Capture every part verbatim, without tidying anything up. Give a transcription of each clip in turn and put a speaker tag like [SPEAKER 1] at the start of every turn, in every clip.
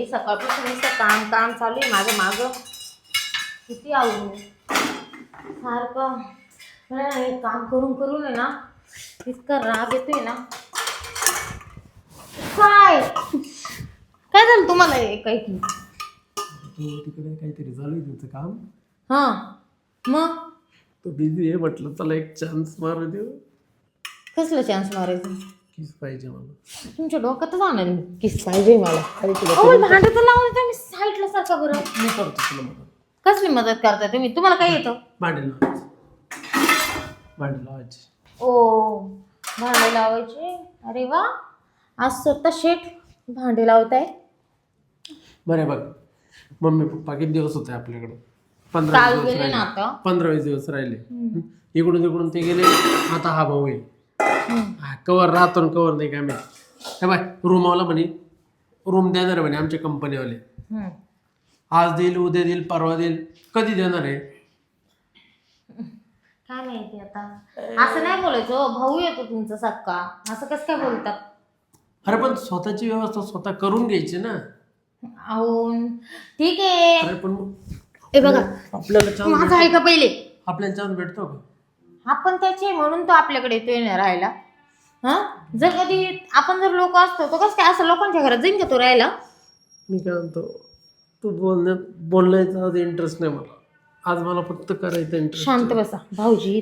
[SPEAKER 1] बाई सकाळपासून नुसतं काम काम चालू आहे माझं मागं. किती आवडू सारखं मला ना हे काम करून करून आहे ना इतका राग येतोय ना. काय काय झालं तुम्हाला हे काही की
[SPEAKER 2] तिकडे काहीतरी चालू आहे तुमचं काम.
[SPEAKER 1] हां मग
[SPEAKER 2] तो बिझी आहे म्हटलं चला एक चान्स मारू देऊ.
[SPEAKER 1] कसलं चान्स मारायचं?
[SPEAKER 2] किस पाहिजे मला.
[SPEAKER 1] तुमच्या डोक्यातच आणलं मी किस पाहिजे मला.
[SPEAKER 2] अरे तुला
[SPEAKER 1] अहो भांडं तर लावून तुम्ही साईडला सारखा बरं.
[SPEAKER 2] मी करतो तुला मदत.
[SPEAKER 1] कसली मदत करताय तुम्ही? तुम्हाला काय येतं?
[SPEAKER 2] भांडे लावायचे भांडे लावायचे.
[SPEAKER 1] ओ भांडे लावायचे. अरे वा आज स्वतः शेठ भांडे लावताय.
[SPEAKER 2] बरं बघ मम्मी पप्पा किती दिवस होते आपल्याकडे? पंधरा
[SPEAKER 1] काल
[SPEAKER 2] दिवस
[SPEAKER 1] गेले ना
[SPEAKER 2] राहिले.
[SPEAKER 1] आता.
[SPEAKER 2] पंधरा वीस दिवस राहिले. इकडून तिकडून ते गेले. आता हा भाऊ आहे. कवर राहतो ना कवर नाही काय माहिती. हे बाय रूमवाला म्हणे रूम देणार म्हणे आमच्या कंपनीवाले.
[SPEAKER 1] हम्म.
[SPEAKER 2] आज देईल उद्या देईल परवा देईल कधी देणार आहे?
[SPEAKER 1] काय माहिती आता. असं नाही बोलायचं हो. भाऊ येतो तुमचा सक्का असं कसं काय बोलतात?
[SPEAKER 2] अरे पण स्वतःची व्यवस्था स्वतः करून घ्यायची ना.
[SPEAKER 1] अहो ठीक आहे.
[SPEAKER 2] अरे पण मग
[SPEAKER 1] हे बघा
[SPEAKER 2] आपल्याला चान्स
[SPEAKER 1] माझं ऐका पहिले.
[SPEAKER 2] आपल्याला चान्स भेटतो का?
[SPEAKER 1] आपण त्याचे म्हणून तो आपल्याकडे येतोय ना राहायला. हा जर कधी आपण जर लोक असतो तो कसं काय असं लोकांच्या घरात जाईन का तो राहायला?
[SPEAKER 2] मी काय म्हणतो तू बोलण्यात बोलण्याचा आज इंटरेस्ट नाही मला. आज मला फक्त करायचं इंटरेस्ट.
[SPEAKER 1] शांत बसा भाऊजी.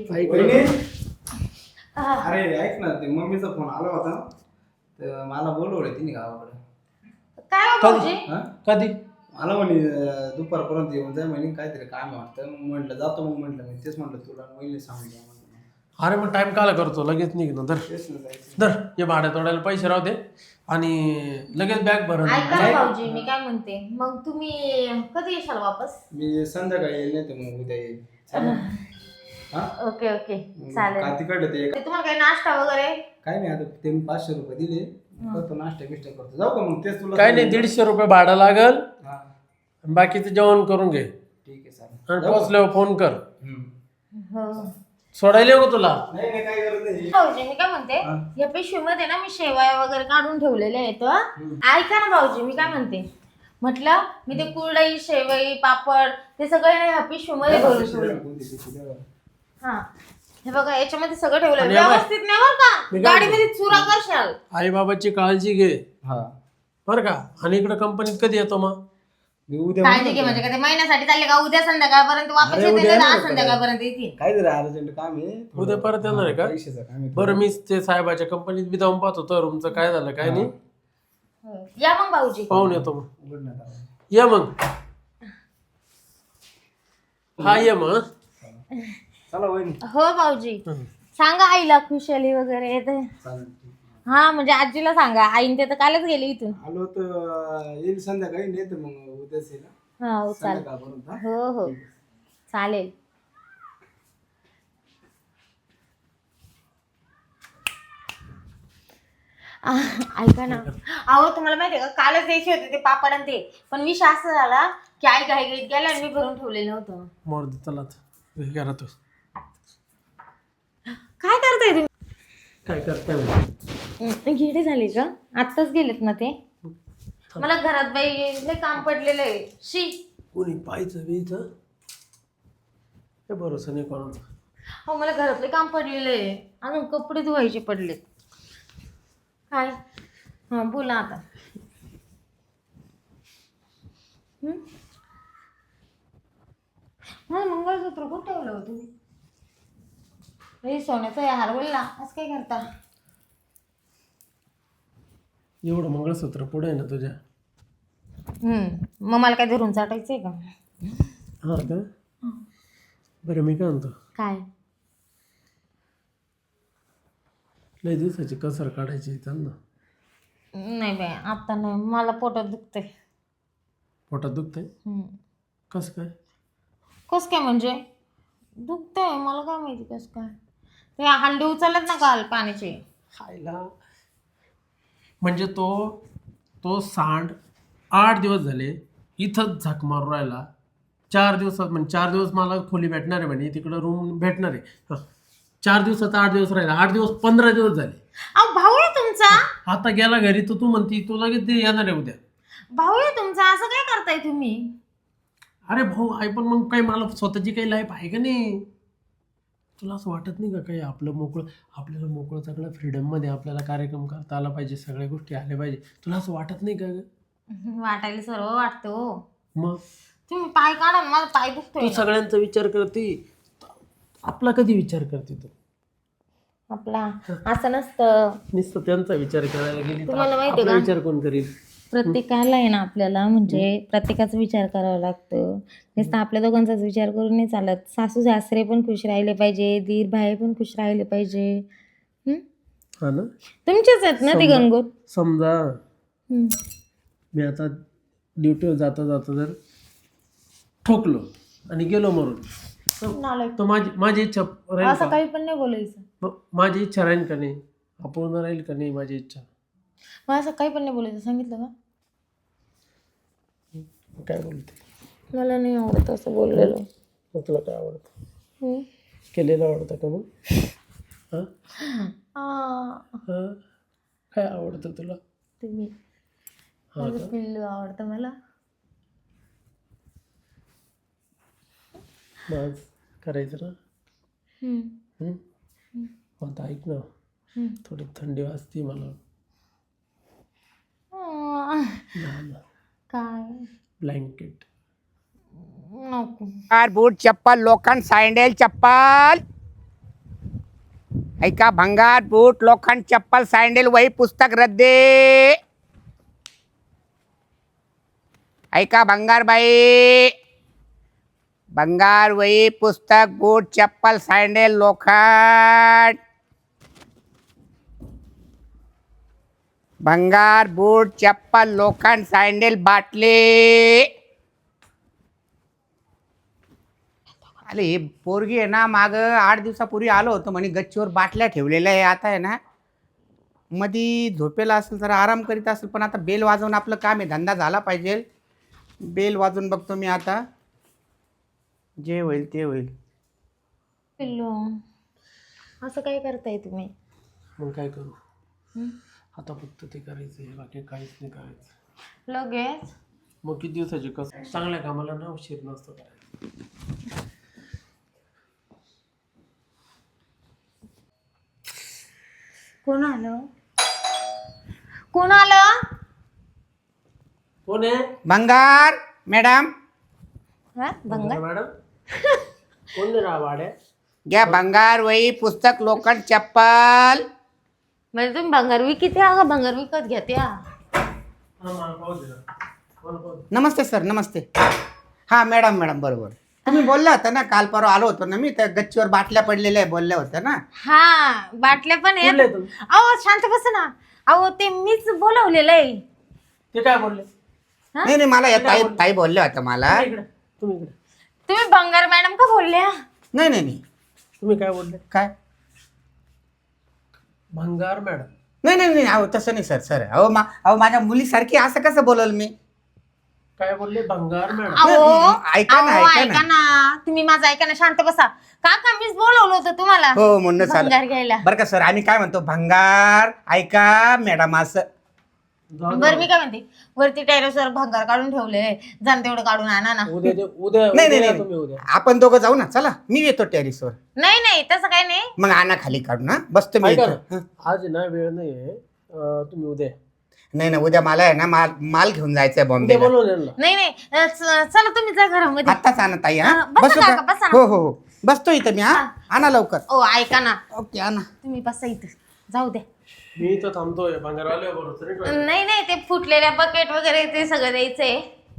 [SPEAKER 3] अरे ऐक ना ते मम्मीचा फोन आला होता तर मला बोलवलं तिने गावाकडे.
[SPEAKER 1] काय हो भाऊजी?
[SPEAKER 3] हा
[SPEAKER 2] कधी?
[SPEAKER 3] मला म्हणे अं, दुपारपर्यंत येऊन जाय म्हणे काहीतरी काम आहे वाटतं. मग म्हटलं जातो. मग म्हटलं मी तेच म्हटलं तुला महिने सांगून द्या म्हटलं.
[SPEAKER 2] अरे मग टाइम काला करतो लगेच निघ ना. धर
[SPEAKER 3] तेच ना जायचं.
[SPEAKER 2] धर हे भाड्या तोडायला पैसे राहू दे आणि लगेच बॅग भर.
[SPEAKER 1] ऐका ना भाऊजी मी काय म्हणते मग तुम्ही कधी येशाल वापस?
[SPEAKER 3] मी संध्याकाळी येईल नाही तर मग उद्या येईल. चालेल? हा
[SPEAKER 1] ओके ओके
[SPEAKER 3] मग
[SPEAKER 1] चालेल.
[SPEAKER 3] का तिकडलं ते
[SPEAKER 1] ते तुम्हाला काही नाश्ता वगैरे?
[SPEAKER 3] काय नाही आता ते मी पाचशे रुपये दिले करतो नाश्ता बिष्टा करतो. जाऊ का मग? तेच तुला
[SPEAKER 2] काय नाही दीडशे रुपये भाडं लागल.
[SPEAKER 3] हा
[SPEAKER 2] बाकीचं जेवण करून घे
[SPEAKER 3] ठीक आहे चालेल.
[SPEAKER 2] आणि पोचल्यावर फोन कर.
[SPEAKER 3] हम्म.
[SPEAKER 1] हो
[SPEAKER 2] सोडायला येऊ का तुला?
[SPEAKER 3] नाही नाही काय गरज नाही.
[SPEAKER 1] भाऊजी मी काय म्हणते
[SPEAKER 3] हा.
[SPEAKER 1] या पिशवीमध्ये ना मी शेवया वगैरे काढून ठेवलेल्या आहेत. ऐका ना भाऊजी मी काय म्हणते म्हटलं मी ते कुरडई शेवई पापड ते सगळे ना ह्या पिशवीमध्ये भरून ठेवले.
[SPEAKER 3] कोणती पिशवी द्या बरं.
[SPEAKER 1] हा हे बघा याच्यामध्ये सगळं ठेवलं
[SPEAKER 2] आणि या बाय-
[SPEAKER 1] व्यवस्थित नाही बरं का.
[SPEAKER 2] मी काय
[SPEAKER 1] गाडीमध्ये चुरा करशाल.
[SPEAKER 2] आई बाबाची काळजी घे
[SPEAKER 3] हा
[SPEAKER 2] बरं का. आणि इकडे कंपनीत कधी येतो मग?
[SPEAKER 3] मी उद्या
[SPEAKER 1] काळजी घे म्हणजे का ते महिन्यासाठी चालले का उद्या संध्याकाळपर्यंत वापस
[SPEAKER 3] अरे
[SPEAKER 1] येते
[SPEAKER 3] उद्या
[SPEAKER 1] ना
[SPEAKER 3] येणार
[SPEAKER 1] आज संध्याकाळपर्यंत येतील.
[SPEAKER 3] काय जरा अर्जंट काम आहे थोडं.
[SPEAKER 2] उद्या परत येणार आहे का?
[SPEAKER 3] पैशाचं काम आहे
[SPEAKER 2] बरं मी ते साहेबाच्या कंपनीत बी जाऊन पाहतो तर रूमचं काय झालं काय नाही.
[SPEAKER 1] हो. या मग भाऊजी.
[SPEAKER 2] पाहून येतो मग.
[SPEAKER 3] उघडण्यात आलं.
[SPEAKER 2] ये मग. हा ये मग.
[SPEAKER 3] चला वहिनी
[SPEAKER 1] हो भाऊजी
[SPEAKER 2] हं.
[SPEAKER 1] सांगा आईला खुशाली वगैरे येते.
[SPEAKER 3] चालेल ठीक.
[SPEAKER 1] हा म्हणजे आजीला सांगा आईन ते तर कालच गेले इथून.
[SPEAKER 3] आलो तर येईल संध्याकाळी नाही तर मग उद्याच येईल हा.
[SPEAKER 1] हा हो चालेल.
[SPEAKER 3] संध्याकाळपर्यंत हा.
[SPEAKER 1] हो हो चालेल. आ, ऐका ना अहो तुम्हाला माहितीये का कालच द्यायचे होते ते पापड आणि ते पण विषय असं झाला की आई घाई घाईत गेला आणि मी भरून ठेवलेलं होतं.
[SPEAKER 2] मोर दे चला हे करा तू.
[SPEAKER 1] काय करताय तुम्ही?
[SPEAKER 2] काय करताय म्हणजे?
[SPEAKER 1] हं, गेले झाले का? आत्ताच गेलेत ना ते. मला घरात बाई लय काम पडलेलं आहे. शी
[SPEAKER 2] कोणी पाहायचं बीचं हे भरोसा नाही कोणाचा.
[SPEAKER 1] हो मला घरातले काम पडलेलं आहे. अजून कपडे धुवायचे पडलेत. काय हा बोला आता. हं? मला मंगळसूत्र कुठं ठेवलं होतं तुम्ही? हे सोन्याचा आहे हार बोलला असं काय करता?
[SPEAKER 2] एवढं मंगळसूत्र पुढे आहे ना तुझ्या.
[SPEAKER 1] हम्म मग मला काय धरून चाटायचंय का?
[SPEAKER 2] हा का? बरं मी काय म्हणतो
[SPEAKER 1] काय?
[SPEAKER 2] लय दिवसाची कसर काढायची इथं ना.
[SPEAKER 1] नाही बाई आता नाही मला पोटात दुखतंय.
[SPEAKER 2] पोटात दुखतंय
[SPEAKER 1] हम्म
[SPEAKER 2] कसं काय?
[SPEAKER 1] कस काय म्हणजे दुखतंय मला काय माहिती कस काय. ते हंडे उचलत ना काल पाण्याचे.
[SPEAKER 2] खायला म्हणजे तो तो सांड आठ दिवस झाले इथंच झक मारून राहिला. चार दिवसात म्हणजे चार दिवस मला खोली भेटणार आहे म्हणे तिकडं रूम भेटणार आहे. हं. चार दिवसात आठ दिवस राहिला. आठ दिवस पंधरा दिवस झाले.
[SPEAKER 1] अहो भाऊ आहे तुमचा.
[SPEAKER 2] आता गेला घरी तर तू म्हणती तू लगेच ते येणार आहे उद्या.
[SPEAKER 1] भाऊ आहे तुमचा, असं काय करताय तुम्ही?
[SPEAKER 2] अरे भाऊ आहे, पण मग काही मला स्वतःची काही लाईफ आहे का नाही? तुला असं वाटत नाही का काही आपलं मोकळं, आपल्याला मोकळं सगळं फ्रीडममध्ये आपल्याला कार्यक्रम करता आला पाहिजे, सगळ्या गोष्टी आल्या पाहिजे. तुला असं वाटत नाही का ग?
[SPEAKER 1] वाटायला सर्व वाटतं हो.
[SPEAKER 2] मग
[SPEAKER 1] तुम्ही पाय काढा ना, माझा पाय दुखतोय
[SPEAKER 2] तू
[SPEAKER 1] ना.
[SPEAKER 2] सगळ्यांचा विचार करते, आपला कधी विचार करते तू?
[SPEAKER 1] आपला असं नसतं.
[SPEAKER 2] नुसतं त्यांचा विचार करायला गेली तर
[SPEAKER 1] तुम्हाला माहिती
[SPEAKER 2] आपला
[SPEAKER 1] का?
[SPEAKER 2] विचार कोण करील?
[SPEAKER 1] प्रत्येकाला आहे ना आपल्याला म्हणजे प्रत्येकाचा विचार करावा लागतो. नुसतं आपल्या दोघांचाच विचार करून नाही चालत. सासू सासरे पण खुश राहिले पाहिजे, दीर भाई पण खुश राहिले पाहिजे. हं?
[SPEAKER 2] हा ना.
[SPEAKER 1] तुमचेच आहेत ना ते
[SPEAKER 2] समजा-
[SPEAKER 1] गंगोत.
[SPEAKER 2] समजा
[SPEAKER 1] हं.
[SPEAKER 2] मी आता ड्युटीवर जाता जाता जर ठोकलो आणि गेलो मरून,
[SPEAKER 1] नालायक.
[SPEAKER 2] तर माझी माझी इच्छा राहील
[SPEAKER 1] असं
[SPEAKER 2] का?
[SPEAKER 1] काही पण नाही बोलायचं.
[SPEAKER 2] म- माझी इच्छा राहील का नाही? अपूर्ण राहील का नाही माझी इच्छा?
[SPEAKER 1] मग असं काही पण नाही बोलायचं, सांगितलं का?
[SPEAKER 2] काय बोलते?
[SPEAKER 1] मला नाही आवडत असं बोललेलं.
[SPEAKER 2] मग तुला काय आवडतं?
[SPEAKER 1] हं?
[SPEAKER 2] केलेलं आवडतं का मग? हां
[SPEAKER 1] आ,
[SPEAKER 2] हां काय आवडतं तुला?
[SPEAKER 1] तुम्ही
[SPEAKER 2] हा
[SPEAKER 1] माझं
[SPEAKER 2] का?
[SPEAKER 1] पिल्लू आवडतं मला.
[SPEAKER 2] मग करायचं ना.
[SPEAKER 1] हं.
[SPEAKER 2] हं? मग आता ऐक ना,
[SPEAKER 1] हं.
[SPEAKER 2] थोडी थंडी वाजते मला.
[SPEAKER 1] आ,
[SPEAKER 2] ना
[SPEAKER 1] काय
[SPEAKER 2] ब्लँकेट.
[SPEAKER 1] नको.
[SPEAKER 4] कार बूट चप्पल लोखंड सँडल चप्पल ऐका भंगार बूट लोखंड चप्पल सँडल वही पुस्तक रद्दे ऐका भंगार बाई भंगार वही पुस्तक बूट चप्पल सँडल लोखंड भंगार बूट चप्पल लोखंड सँडल बाटली. अरे हे पोरगी आहे ना, माग आठ दिवसापूर्वी आलो होतो म्हणे गच्चीवर बाटल्या ठेवलेल्या आहे. आता आहे ना मधी झोपेला असेल जरा आराम करीत असेल, पण आता बेल वाजवून आपलं काम आहे, धंदा झाला पाहिजे. बेल वाजवून बघतो मी आता, जे होईल ते होईल.
[SPEAKER 1] पिल्लू असं काय करताय तुम्ही?
[SPEAKER 2] मग काय करू?
[SPEAKER 1] हं?
[SPEAKER 2] आता फक्त ते करायचं आहे, बाकी काहीच नाही करायचं.
[SPEAKER 1] लगेच
[SPEAKER 2] मग किती दिवसाची कसं? चांगल्या कामाला ना उशीर नसतो करायचं.
[SPEAKER 1] कोण आलं? कोण आलं?
[SPEAKER 2] कोण आहे?
[SPEAKER 4] भंगार मॅडम
[SPEAKER 1] हा भंगार.
[SPEAKER 2] मॅडम कोण नाही राहा वाड्या?
[SPEAKER 4] घ्या भंगार वही पुस्तक लोखंड चप्पल.
[SPEAKER 1] म्हणजे तुम्ही भंगार विकत या का भंगार विकत घेत्या?
[SPEAKER 2] हा, मला पाहू दे ना. मला पाहू दे.
[SPEAKER 4] नमस्ते सर नमस्ते. हां मॅडम मॅडम बरोबर तुम्ही बोलला होता ना, काल परवा आलो होतो ना मी, त्या गच्चीवर बाटल्या पडलेल्या बोलल्या होत्या ना.
[SPEAKER 1] हा बाटल्या पण आहेत.
[SPEAKER 2] कुठले तुम्ही?
[SPEAKER 1] अहो शांत बस ना. अहो ते मीच बोलवलेलं आहे.
[SPEAKER 2] ते काय बोलले?
[SPEAKER 1] हा?
[SPEAKER 4] नाही नाही मला या ताई ताई बोलल्या होत्या मला.
[SPEAKER 2] तुम्ही इकडे, तुम्ही इकडे.
[SPEAKER 1] तुम्ही भंगार मॅडम का बोलल्या?
[SPEAKER 4] नाही नाही नाही
[SPEAKER 2] तुम्ही काय बोलले?
[SPEAKER 4] काय
[SPEAKER 2] भंगार मॅडम.
[SPEAKER 4] नाही नाही नाही अहो तसं नाही सर सर अहो मा अहो माझ्या मुलीसारखी असं कसं बोलल मी.
[SPEAKER 2] काय बोलले? भंगार मॅडम.
[SPEAKER 1] अहो
[SPEAKER 4] ऐका ना
[SPEAKER 1] अहो,
[SPEAKER 4] ऐका
[SPEAKER 1] ऐका
[SPEAKER 4] ना.
[SPEAKER 1] ना तुम्ही माझं ऐका ना, शांत बसा. काका मीच बोलवलं होतं तुम्हाला
[SPEAKER 4] हो म्हणणं
[SPEAKER 1] भंगार
[SPEAKER 4] चालेल
[SPEAKER 1] घ्यायला.
[SPEAKER 4] बरं का सर. आम्ही काय म्हणतो भंगार ऐका मॅडम असं.
[SPEAKER 2] जाऊ दे.
[SPEAKER 1] बरं मी काय म्हणते, वरती टेरेसवर भंगार काढून ठेवले, जाण तेवढं काढून आणा ना.
[SPEAKER 2] उद्या दे- उद्या
[SPEAKER 4] नाही
[SPEAKER 2] उद्या
[SPEAKER 4] नाही
[SPEAKER 2] या तुम्ही
[SPEAKER 4] नाही
[SPEAKER 2] उद्या.
[SPEAKER 4] आपण दोघं जाऊ ना, चला मी येतो टेरिसवर.
[SPEAKER 1] नाही नाही तसं काही नाही.
[SPEAKER 4] मग आणा खाली काढून हा बसतो मी
[SPEAKER 2] ऐका
[SPEAKER 4] इथं.
[SPEAKER 2] ना,
[SPEAKER 4] हं.
[SPEAKER 2] आज ना वेळ नाहीये, अं, तुम्ही उद्या या.
[SPEAKER 4] नाही ना उद्या मला आहे ना माल माल घेऊन जायचंय
[SPEAKER 2] उद्या
[SPEAKER 4] बॉम्बेला.
[SPEAKER 2] बोलवून यांना.
[SPEAKER 1] नाही नाही अं, च- चला तुम्ही जा घरामध्ये.
[SPEAKER 4] आत्ताच आणा ताई हा.
[SPEAKER 1] हा, बसा
[SPEAKER 4] बसू
[SPEAKER 1] काका,
[SPEAKER 4] का?
[SPEAKER 1] बसा ना.
[SPEAKER 4] हो हो हो बसतो इथं मी. हा आणा लवकर.
[SPEAKER 1] ओ ऐका ना,
[SPEAKER 4] ओके आणा.
[SPEAKER 1] तुम्ही बसा इथं, जाऊ द्या.
[SPEAKER 2] मी इथं थांबतोय, भंगारवाले बरोबर तरी काय?
[SPEAKER 1] नाही नाही ते फुटलेल्या बकेट वगैरे ते सगळं द्यायचंय.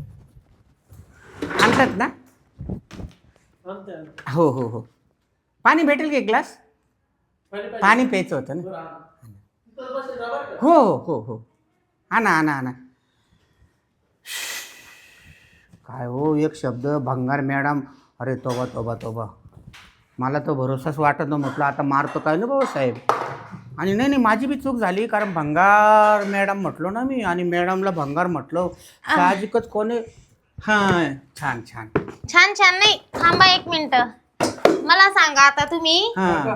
[SPEAKER 4] आणतात ना.
[SPEAKER 2] आणते, आणते.
[SPEAKER 4] हो हो हो पाणी भेटेल का एक ग्लास?
[SPEAKER 2] पाणी पाहिजे?
[SPEAKER 4] पाणी प्यायचं होतं ना.
[SPEAKER 2] बरं, आण. इथं बसेल जा बरं का?
[SPEAKER 4] हो हो हो हो आणा आणा आणा. काय हो एक शब्द भंगार मॅडम. अरे तोबा तोबा तोबा मला तर भरोसाच वाटत नव्हतं. म्हटलं आता मारतो काय ना भाऊ साहेब. आणि नाही नाही माझी बी चूक झाली, कारण भंगार मॅडम म्हटलो ना मी, आणि मॅडमला भंगार म्हटलं साहजिकच. कोणी हां छान छान
[SPEAKER 1] छान छान नाही, थांबा एक मिनिट. मला सांगा आता तुम्ही.
[SPEAKER 4] हां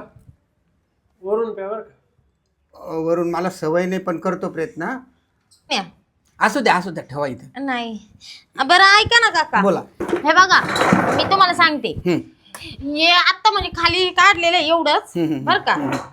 [SPEAKER 2] वरून प्या बरं का?
[SPEAKER 4] वरून मला सवय नाही पण करतो प्रयत्न.
[SPEAKER 1] या.
[SPEAKER 4] असू द्या असू द्या ठेवा इथे.
[SPEAKER 1] नाही बरं ऐका ना काका,
[SPEAKER 4] बोला.
[SPEAKER 1] हे बघा मी तुम्हाला सांगते,
[SPEAKER 4] हम्म.
[SPEAKER 1] हे आत्ता म्हणजे खाली काढलेलं आहे एवढंच
[SPEAKER 4] हम्म, हम्म,
[SPEAKER 1] बरं का.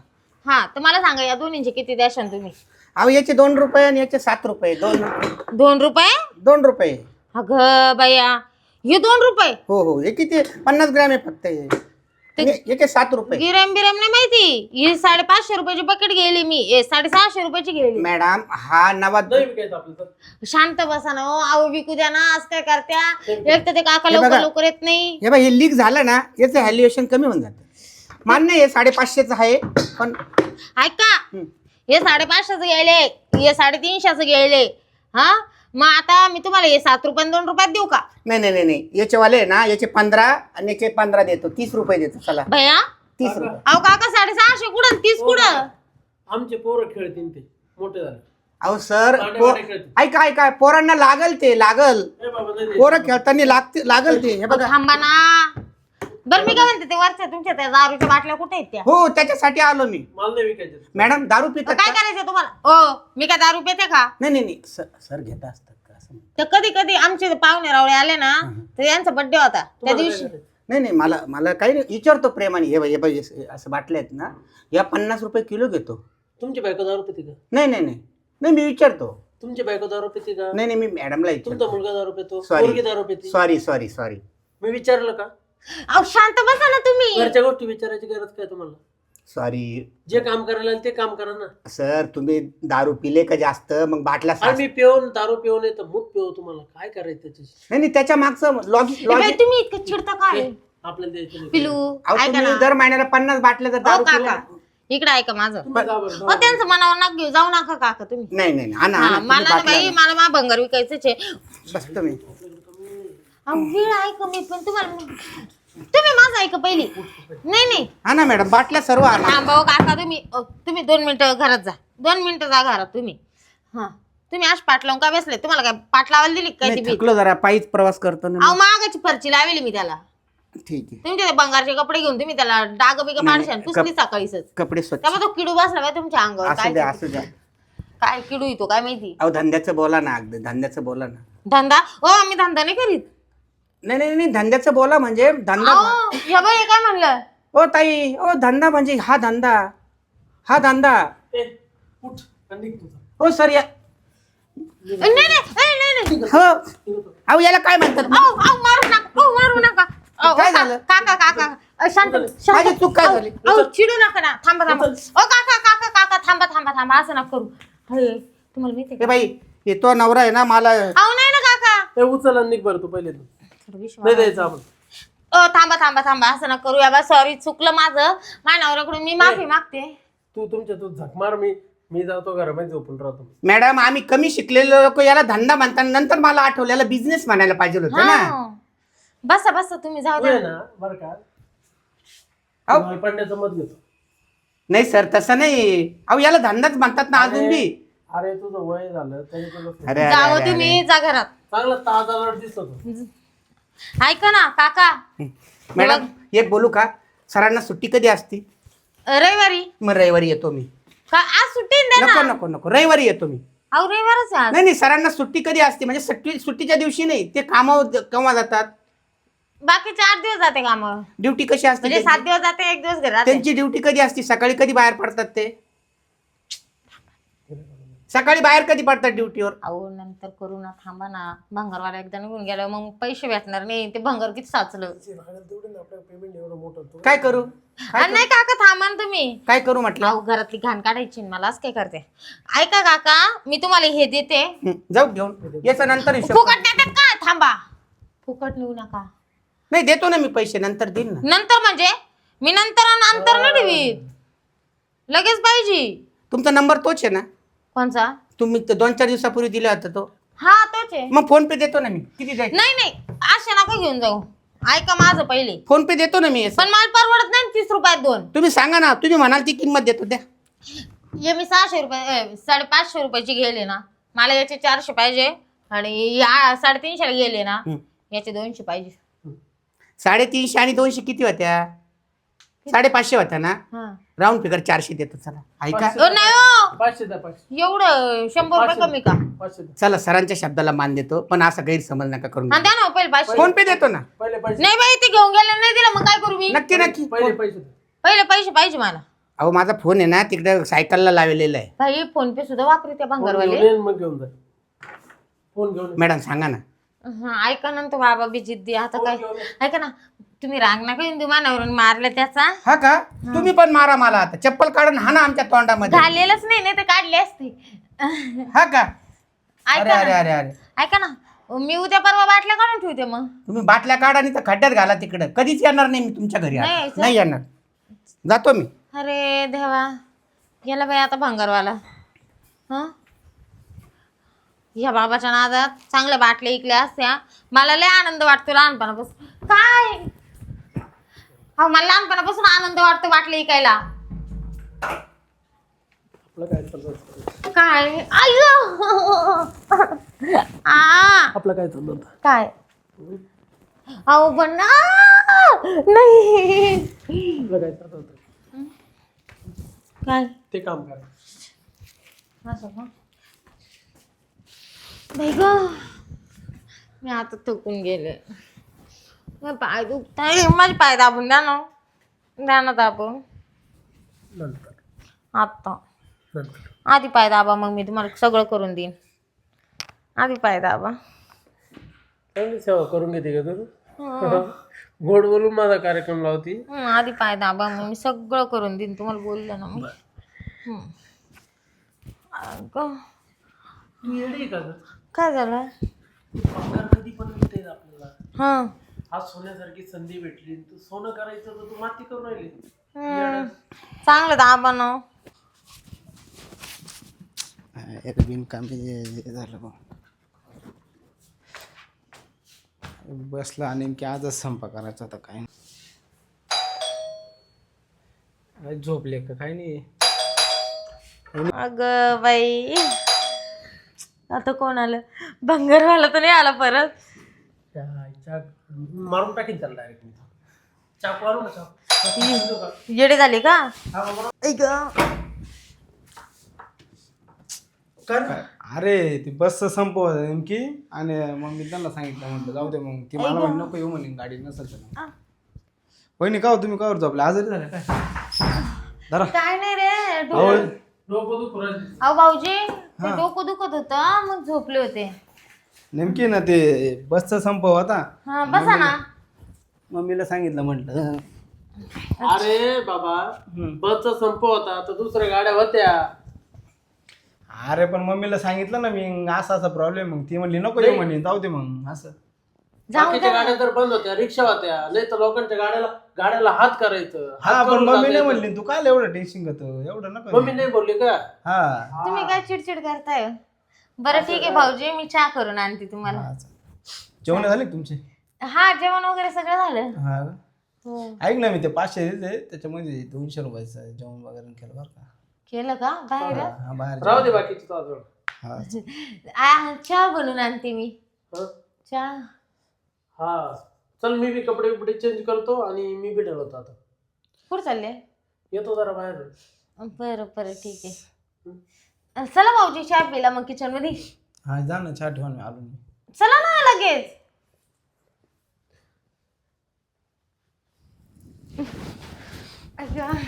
[SPEAKER 1] हा तर मला सांगा या दोन्हींचे किती द्याशाल तुम्ही?
[SPEAKER 4] अहो याचे दोन रुपये आणि याचे सात रुपये. दोन
[SPEAKER 1] दोन रुपये?
[SPEAKER 4] दोन रुपये.
[SPEAKER 1] अगं बया हे दोन रुपये?
[SPEAKER 4] हो हो हे किती पन्नास ग्रॅम आहे फक्त हे. हे- याचे सात रुपये.
[SPEAKER 1] गिरम बिरम नाही माहिती, ही साडेपाचशे रुपयाची बकेट गेली मी, ए साडेसहाशे रुपयाची गेली.
[SPEAKER 4] मॅडम हा नवा
[SPEAKER 2] नाही विकायचं आपलं तर.
[SPEAKER 1] शांत बसा ना हो, आऊ विकू द्या ना, आज काय करत्या. एक तर ते काका
[SPEAKER 4] हे
[SPEAKER 1] लवकर
[SPEAKER 4] बघा.
[SPEAKER 1] लवकर येत नाही.
[SPEAKER 4] हे बघ हे लीक झालं ना याचं व्हॅल्युएशन कमी होऊन जातं. मान्य आहे साडेपाचशेच आहे पण
[SPEAKER 1] ऐका
[SPEAKER 4] हम्म.
[SPEAKER 1] हे साडेपाचशेच घ्यायले, हे साडेतीनशेच घ्यायले. हा मग आता मी तुम्हाला हे सात रुपये दोन रुपयात देऊ का?
[SPEAKER 4] नाही नाही नाही नाही याचे वाले आहे ना याचे पंधरा आणि याचे पंधरा देतो. तीस रुपये देतो. चला
[SPEAKER 1] भैया
[SPEAKER 4] तीस रुपये.
[SPEAKER 1] अहो काका साडेसहाशे कुठं तीस कुठं?
[SPEAKER 2] आमचे पोरं खेळतील ते मोठे झाले.
[SPEAKER 4] अहो सर
[SPEAKER 2] पांडे
[SPEAKER 4] पो-
[SPEAKER 2] वाडे खेळतील.
[SPEAKER 4] ऐका ऐका पोरांना लागल ते लागल.
[SPEAKER 2] ए बाबा नाही
[SPEAKER 4] पोरं खेळताना लागते लागल ते. हे बघा
[SPEAKER 1] थांबा ना. बरं मी काय म्हणते, ते वरच्या तुमच्या त्या दारूच्या बाटल्या कुठे आहेत त्या?
[SPEAKER 4] हो त्याच्यासाठी आलो मी.
[SPEAKER 2] मला नाही विकायचे.
[SPEAKER 4] मॅडम दारू पितात
[SPEAKER 1] काय
[SPEAKER 4] का?
[SPEAKER 1] करायचं तुम्हाला? ओ मी काय दारू पिते का?
[SPEAKER 4] नाही नाही नाही सर सर घेता असतात का असं?
[SPEAKER 1] तर कधी कधी आमचे पाहुणे रावळे आले ना तर यांचा बर्थडे होता त्या दिवशी.
[SPEAKER 4] नाही नाही मला मला काही नाही विचारतो प्रेमाने. हे बघ हे बघ हे असं बाटल्या आहेत ना या पन्नास रुपये किलो घेतो.
[SPEAKER 2] तुमची बायको दारू पिते का?
[SPEAKER 4] नाही नाही नाही नाही मी विचारतो.
[SPEAKER 2] तुमची बायको दारू पिते का?
[SPEAKER 4] नाही नाही मी मॅडमला
[SPEAKER 2] तुमचा
[SPEAKER 4] विचारतो.
[SPEAKER 2] मुलगा दारू पितो?
[SPEAKER 4] Sorry.
[SPEAKER 2] मुलगी दारू पिते?
[SPEAKER 4] Sorry sorry sorry.
[SPEAKER 2] मी विचारलं का?
[SPEAKER 1] अहो शांत बसा ना तुम्ही.
[SPEAKER 2] घरच्या गोष्टी विचारायची गरज काय तुम्हाला?
[SPEAKER 4] सॉरी
[SPEAKER 2] जे काम करायला लागेल ते काम करा ना.
[SPEAKER 4] सर तुम्ही दारू पिले का जास्त मग बाटल्या
[SPEAKER 2] आणि
[SPEAKER 4] सास-
[SPEAKER 2] मी पिऊन दारू पिऊन येतं मूत पिऊ तुम्हाला काय करायचं त्याच्याशी?
[SPEAKER 4] नाही नाही त्याच्या मागचं लॉजिक
[SPEAKER 1] ए बाई,
[SPEAKER 4] लॉजिक
[SPEAKER 1] तुम्ही इतकं चिडता काय?
[SPEAKER 2] आपल्याला द्यायचं नाही.
[SPEAKER 1] पिलू
[SPEAKER 4] अहो
[SPEAKER 1] ऐका
[SPEAKER 4] तुम्ही
[SPEAKER 1] ना.
[SPEAKER 4] दर महिन्याला पन्नास बाटल्या जर
[SPEAKER 1] हो
[SPEAKER 4] दारू पिले
[SPEAKER 1] काका
[SPEAKER 4] ना-
[SPEAKER 1] इकडे ऐका माझं.
[SPEAKER 2] तुम्ही जा बरं,
[SPEAKER 1] हो
[SPEAKER 2] जा.
[SPEAKER 1] त्यांचं मनावर नका घेऊ, जाऊ नका काका तुम्ही.
[SPEAKER 4] नाही नाही नाही. आणा,
[SPEAKER 1] हा,
[SPEAKER 4] आणा, तुम्ही
[SPEAKER 1] मला ना
[SPEAKER 4] बाटल्या
[SPEAKER 1] बाई
[SPEAKER 4] आणा.
[SPEAKER 1] मला मा भंगार विकायचंच आहे.
[SPEAKER 4] बस तुम्ही
[SPEAKER 1] अहो वेळ ऐका मी पण तुम्हाला, तुम्ही माझं ऐका पहिली. नाही नाही
[SPEAKER 4] आणा मॅडम बाटल्या सर्व आणा.
[SPEAKER 1] थांबा हो काका, तुम्ही अ, तुम्ही दोन मिनिटं घरात जा, दोन मिनिटं जा घरात तुम्ही. हा तुम्ही आज पाठ लावून का बसले? तुम्हाला काय पाठ लावायला दिली काय ती
[SPEAKER 4] नाही,
[SPEAKER 1] भीत?
[SPEAKER 4] थकलो जरा पायीच प्रवास करतो ना
[SPEAKER 1] अहो
[SPEAKER 4] मी.
[SPEAKER 1] मागाची फरची लावली मी त्याला.
[SPEAKER 4] ठीक आहे.
[SPEAKER 1] तुमचे ते बंगारचे कपडे घेऊन तुम्ही त्याला डाग बिग
[SPEAKER 4] नाही,
[SPEAKER 1] पाडशान
[SPEAKER 4] कप-
[SPEAKER 1] पुसली सकाळीच.
[SPEAKER 4] कपडे स्वच्छ
[SPEAKER 1] त्यामुळे तो किडू बसला बाई तुमच्या अंगावर.
[SPEAKER 4] असू द्या
[SPEAKER 1] काय
[SPEAKER 4] असू द्या.
[SPEAKER 1] काय किडू येतो काय माहिती.
[SPEAKER 4] अहो धंद्याचं बोला ना अगदी धंद्याचं बोला ना.
[SPEAKER 1] धंदा हो आम्ही धंदा नाही करीत.
[SPEAKER 4] नाही नाही नाही धंद्याचं बोला म्हणजे धंदा.
[SPEAKER 1] अहो हे बाई हे काय म्हणलं?
[SPEAKER 4] ओ ताई ओ धंदा म्हणजे हा धंदा हा धंदा.
[SPEAKER 2] ए, उठ आणि निघ तुझा.
[SPEAKER 4] हो सर या
[SPEAKER 1] नाही नाही नाही, नाही नाही.
[SPEAKER 4] हो अहो याला काय म्हणतात.
[SPEAKER 1] अहो अहो मारू नका, अहो मारू नका. अहो,
[SPEAKER 4] काय
[SPEAKER 1] का-
[SPEAKER 4] झालं?
[SPEAKER 1] काका काका अ, शांत शांत.
[SPEAKER 4] माझी चूक काय
[SPEAKER 1] अहो,
[SPEAKER 4] झाली?
[SPEAKER 1] अहो चिडू नका ना, थांबा थांबा. ओ काका काका काका थांबा थांबा थांबा, असं नका करू. अरे तुम्हाला माहिती
[SPEAKER 4] हे बाई हे तो नवरा आहे ना मला.
[SPEAKER 1] अहो नाही ना काका.
[SPEAKER 2] ए, उचल आणि निघ बरं तू पहिले तू.
[SPEAKER 1] थोडं विश्वास.
[SPEAKER 2] नाही द्यायचं आपण.
[SPEAKER 1] अ थांबा थांबा थांबा, असं नका करू. या सॉरी चुकलं माझं. माझ्या नवऱ्याकडून मी माफी मागते.
[SPEAKER 2] तू तुमच्या तू झक मार मी मी जातो घरामध्ये झोपून राहतो.
[SPEAKER 4] मॅडम आम्ही कमी शिकलेले लोक याला धंदा म्हणतात. नंतर मला आठवलं याला बिझनेस म्हणायला पाहिजे होतं ना.
[SPEAKER 1] हा. बसा बसा तुम्ही जाऊ
[SPEAKER 2] तू आहे
[SPEAKER 1] द्या.
[SPEAKER 2] ना बरं का
[SPEAKER 4] अहो.
[SPEAKER 2] तुम्हाला पडण्याचं मत घेतो.
[SPEAKER 4] नाही सर तसं नाही. अहो याला धंदाच म्हणतात ना अजून बी.
[SPEAKER 2] अरे तुझं वय झालं तरी तुला
[SPEAKER 4] अरे अरे,
[SPEAKER 1] जावं
[SPEAKER 4] अरे,
[SPEAKER 1] तुम्ही जा घरात.
[SPEAKER 2] चांगला ताजा लढ दिसतो तो.
[SPEAKER 1] ऐका ना काका,
[SPEAKER 4] अरे. मॅडम एक बोलू का सरांना सुट्टी कधी असती?
[SPEAKER 1] रविवारी
[SPEAKER 4] मग रविवारी येतो मी.
[SPEAKER 1] का आज सुट्टी द्या
[SPEAKER 4] नको
[SPEAKER 1] ना.
[SPEAKER 4] नको नको रविवारी येतो मी.
[SPEAKER 1] अहो रविवारच आहे आज.
[SPEAKER 4] नाही नाही सरांना सुट्टी कधी असते म्हणजे सुट्टी सुट्टीच्या दिवशी नाही. ते कामावर केव्हा जातात?
[SPEAKER 1] बाकी चार दिवस जाते कामावर.
[SPEAKER 4] ड्युटी कशी असते
[SPEAKER 1] म्हणजे सात
[SPEAKER 4] त्यांची?
[SPEAKER 1] दिवस जाते एक दिवस घरी राहते.
[SPEAKER 4] त्यांची ड्युटी कधी असते? सकाळी कधी बाहेर पडतात ते? सकाळी बाहेर कधी पडतात ड्युटीवर?
[SPEAKER 1] अहो नंतर करू ना, थांबा ना. भंगारवाला एकदा निघून गेला मग पैसे भेटणार नाही. ते भंगार किती साचलं.
[SPEAKER 2] पेमेंट एवढं मोठं तू
[SPEAKER 4] काय करू
[SPEAKER 1] अरे नाही काका थांबा ना तुम्ही.
[SPEAKER 4] काय करू म्हटलं?
[SPEAKER 1] अहो घरातली घाण काढायची ना मला, असं काय करते. ऐका काका मी तुम्हाला हे देते.
[SPEAKER 4] हं, जाऊ घेऊन याचा नंतर हिशोब
[SPEAKER 1] फुकट
[SPEAKER 4] करू.
[SPEAKER 1] देतात काय? थांबा. फुकट नेऊ नका.
[SPEAKER 4] नाही देतो ना मी पैसे नंतर देईन ना.
[SPEAKER 1] नंतर म्हणजे मी नंतर आणि अंतर नाही ठेवीत. लगेच पाहिजे.
[SPEAKER 4] तुमचा नंबर तोच आहे ना?
[SPEAKER 1] कोणचा?
[SPEAKER 4] तुम्ही तो दोन चार दिवसापूर्वी दिला होता तो.
[SPEAKER 1] हा तोच आहे.
[SPEAKER 4] मग फोन पे देतो ना मी. किती द्यायचं?
[SPEAKER 1] नाही नाही अशा नका घेऊन जाऊ. ऐका माझं पहिले.
[SPEAKER 4] फोन पे देतो ना मी.
[SPEAKER 1] पण मला परवडत नाही तीस रुपयात दोन.
[SPEAKER 4] तुम्ही सांगा ना तुम्ही म्हणाल ती किंमत देतो द्या.
[SPEAKER 1] हे मी सहाशे रुपये अ, साडेपाचशे रुपयाची गेले ना, मला याचे चारशे पाहिजे आणि या साडेतीनशेला गेले ना
[SPEAKER 4] हं.
[SPEAKER 1] याचे दोनशे पाहिजे.
[SPEAKER 4] साडेतीनशे आणि दोनशे किती होत्या? साडेपाचशे होता ना,
[SPEAKER 1] हा
[SPEAKER 4] राऊंड फिगर चारशे देतो. चला ऐका,
[SPEAKER 1] ओ नाही हो
[SPEAKER 2] पाचशे द्या पाचशे
[SPEAKER 1] एवढं शंभर रुपये कमी का?
[SPEAKER 2] पाचशे द्या.
[SPEAKER 4] चला सरांच्या शब्दाला मान देतो, पण असा गैरसमज नका करून
[SPEAKER 1] हा
[SPEAKER 4] घेऊ.
[SPEAKER 1] द्या ना हो, पहिले पाचशे.
[SPEAKER 4] फोन पे देतो ना.
[SPEAKER 2] पहिले पैसे
[SPEAKER 1] नाही बाई ते घेऊन गेले नाही दिलं मग काय करू मी?
[SPEAKER 4] नक्की नक्की.
[SPEAKER 2] पहिले पैसे द्या.
[SPEAKER 1] पहिले पैसे पाहिजे मला.
[SPEAKER 4] अहो माझा फोन आहे ना तिकडे सायकलला लावलेला आहे.
[SPEAKER 1] भाई फोन पे सुद्धा वापरू त्या
[SPEAKER 2] फोन
[SPEAKER 1] भंगारवाले.
[SPEAKER 2] घेऊन ये, मग घेऊन जा. फोन घेऊन ये.
[SPEAKER 4] मॅडम सांगा ना.
[SPEAKER 1] हा ऐका ना तो बाबा बी जिद्दी आता काय. ऐका ना तुम्ही राग नका येऊन देऊ मानावरून मारलं त्याचा.
[SPEAKER 4] हा का, तुम्ही पण मारा मला आता, चप्पल काढून हा ना आमच्या तोंडामध्ये.
[SPEAKER 1] घालेलंच नाही नाही तर काढले असते.
[SPEAKER 4] हा का, अरे
[SPEAKER 1] ऐका
[SPEAKER 4] अरे
[SPEAKER 1] ना
[SPEAKER 4] अरे अरे
[SPEAKER 1] ऐका ना मी उद्या परवा बाटल्या काढून ठेवते मग.
[SPEAKER 4] तुम्ही बाटल्या काढा आणि तर खड्ड्यात घाला तिकडं. कधीच येणार नाही मी तुमच्या घरी आता.
[SPEAKER 1] नाही यायचं?
[SPEAKER 4] नाही येणार, जातो मी.
[SPEAKER 1] अरे देवा गेला बाई आता भंगारवाला. हा या बाबाच्या नादात चांगल्या बाटल्या इकल्या असत्या. मला लय आनंद वाटतो लहानपणापासून. काय हा मला लहानपणापासून आनंद वाटतो बाटल्या इकायला.
[SPEAKER 2] आपलं काय चाललं
[SPEAKER 1] काय आयो आ
[SPEAKER 2] आपलं काय चाललं
[SPEAKER 1] काय अहो पण आ, नाही
[SPEAKER 2] आपलं काय चाललं होतं
[SPEAKER 1] काय
[SPEAKER 2] ते काम करा.
[SPEAKER 1] असं का बाई ग मी आता थकून गेले. माझे पाय दुखताय. माझे पाय दाबून द्या ना. द्या ना दाबून
[SPEAKER 2] नंतर
[SPEAKER 1] आत्ता.
[SPEAKER 2] नंतर
[SPEAKER 1] आधी पाय दाबा मग मी तुम्हाला सगळं करून देईन. आधी पाय दाबा.
[SPEAKER 2] चांगली सेवा करून घेते का तू? गोड बोलून माझा कार्यक्रम लावती.
[SPEAKER 1] हं, आधी पाय दाबा मग मी सगळं करून देईन तुम्हाला बोललं ना मी. हं. अगं,
[SPEAKER 2] तू येडी का ग?
[SPEAKER 1] काय झालं?
[SPEAKER 2] पगार कधी पण भेटेल आपल्याला.
[SPEAKER 1] हां
[SPEAKER 2] आज सोन्यासारखी संधी भेटली, तू सोनं करायचं तर तू माती करून राहिली.
[SPEAKER 1] हं. चांगलं दाबा ना.
[SPEAKER 3] एक बिनकामी झालं बा. बसला आणि की आजच संप करायचा होता. काय
[SPEAKER 2] काय झोपले का काय नाही?
[SPEAKER 1] अगं बाई आता कोण आलं? भंगारवाला तर नाही आला परत.
[SPEAKER 2] चा- मारून टाकीन त्याला डायरेक्ट. चाकू मारू ना चाकू.
[SPEAKER 1] येडे झाले का?
[SPEAKER 2] हा बाबा.
[SPEAKER 1] ऐक
[SPEAKER 3] अरे ती बसचं संप होता नेमकी, आणि मग मी त्यांना सांगितलं, म्हटलं जाऊ दे मग. ती मला म्हणे नको येऊ म्हणे, गाडी नसेल तर. वहिनी का हो, तुम्ही कावर झोपले? आजारी झाले काय? धरा.
[SPEAKER 1] काय नाही रे.
[SPEAKER 3] अहो,
[SPEAKER 2] डोकं दुखू राहिलं.
[SPEAKER 1] अहो भाऊजी ते डोकं दुखत होतं मग झोपले होते.
[SPEAKER 3] नेमकी ना ते बसचा संप होता.
[SPEAKER 1] हा बसा ना.
[SPEAKER 3] मम्मीला सांगितलं, म्हटलं
[SPEAKER 2] अरे बाबा बसचा संप होता तर दुसऱ्या गाड्या होत्या.
[SPEAKER 3] अरे पण मम्मीला सांगितलं ना मी, असा असा प्रॉब्लेम. मग ती म्हणली नको येऊ म्हणे, जाऊ दे मग. असं
[SPEAKER 2] बाकीच्या गाड्या तर बंद होत्या, रिक्षा होत्या. नाही तर लोकांच्या गाड्याला गाड्याला हात करायचं.
[SPEAKER 3] हा,
[SPEAKER 2] हात
[SPEAKER 3] पण
[SPEAKER 2] करून
[SPEAKER 3] मम्मी
[SPEAKER 2] जाता
[SPEAKER 3] नाही
[SPEAKER 2] येतं.
[SPEAKER 3] म्हणली तू काय एवढं टेन्शन घेतो, एवढं नको.
[SPEAKER 2] मम्मी नाही बोलली का?
[SPEAKER 3] हा
[SPEAKER 1] तुम्ही काय चिडचिड करताय? बरं ठीक आहे भाऊजी मी चहा करून आणते तुम्हाला.
[SPEAKER 3] हा, चालेल. जेवण झाले का तुमचे?
[SPEAKER 1] हा जेवण वगैरे सगळं झालं.
[SPEAKER 3] हा का?
[SPEAKER 1] हो
[SPEAKER 3] ऐक ना, मी ते पाचशे दिले त्याच्यामध्ये दोनशे रुपयाचं जेवण वगैरे केलं बरं का.
[SPEAKER 1] केलं का बाहेर?
[SPEAKER 3] हा, बाहेर
[SPEAKER 2] राहू दे बाकीची तो अजून.
[SPEAKER 3] हा.
[SPEAKER 1] आ, चहा बनवून आणते मी.
[SPEAKER 2] हं?
[SPEAKER 1] चहा
[SPEAKER 2] हा चल, मी बी कपडे बिपडे चेंज करतो आणि मी बी ठरवतो आता.
[SPEAKER 1] कुठं चालले?
[SPEAKER 2] येतो जरा बाहेर.
[SPEAKER 1] बरं बरं ठीक आहे. चला भाऊजी चहा पिला मग किचन मध्ये.
[SPEAKER 3] हा जा ना, चहा ठेवा, मी आलो मी.
[SPEAKER 1] चला ना लगेच. अगं.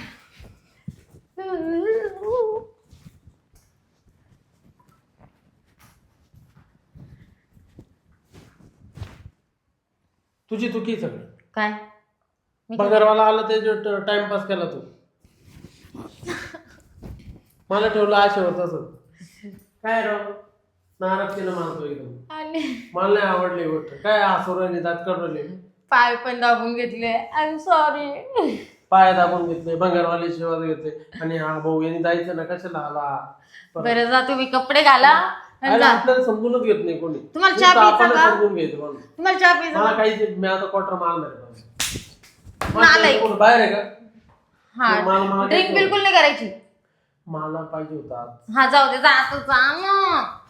[SPEAKER 2] तुझी चुकी सगळं.
[SPEAKER 1] काय? मी
[SPEAKER 2] पगारवाला आला ते टाइमपास केला तू. मला ठेवलं आशेवर तसं. काय राव नाराज केलं मानतो एकदम.
[SPEAKER 1] आणि
[SPEAKER 2] मला नाही आवडली गोष्ट. काय आसुराने दात काढले,
[SPEAKER 1] पाय पण दाबून घेतले. I am sorry.
[SPEAKER 2] पाय दाबून घेतले, भंगारवाले शिवाज घेतले. आणि हा भाऊ यांनी जायचं ना, कशाला आला?
[SPEAKER 1] बरं जा तुम्ही कपडे घाला आणि
[SPEAKER 2] अरे
[SPEAKER 1] जा.
[SPEAKER 2] आपल्याला समजूनच घेत नाही कोणी.
[SPEAKER 1] तुम्हाला चहा
[SPEAKER 2] नुसतं
[SPEAKER 1] प्यायचा
[SPEAKER 2] आपणच
[SPEAKER 1] का?
[SPEAKER 2] समजून घ्यायचं म्हणून.
[SPEAKER 1] तुम्हाला चहा प्यायचा
[SPEAKER 2] मला
[SPEAKER 1] का?
[SPEAKER 2] काही मी आता क्वार्टर मारणार आहे.
[SPEAKER 1] नालायक.
[SPEAKER 2] कोण बाहेर आहे का?
[SPEAKER 1] हा
[SPEAKER 2] मला- मला
[SPEAKER 1] ड्रिंक
[SPEAKER 2] काही-
[SPEAKER 1] बिलकुल नाही करायची.
[SPEAKER 2] मला पाहिजे होता.
[SPEAKER 1] हा जाऊ दे जा आता जा ना.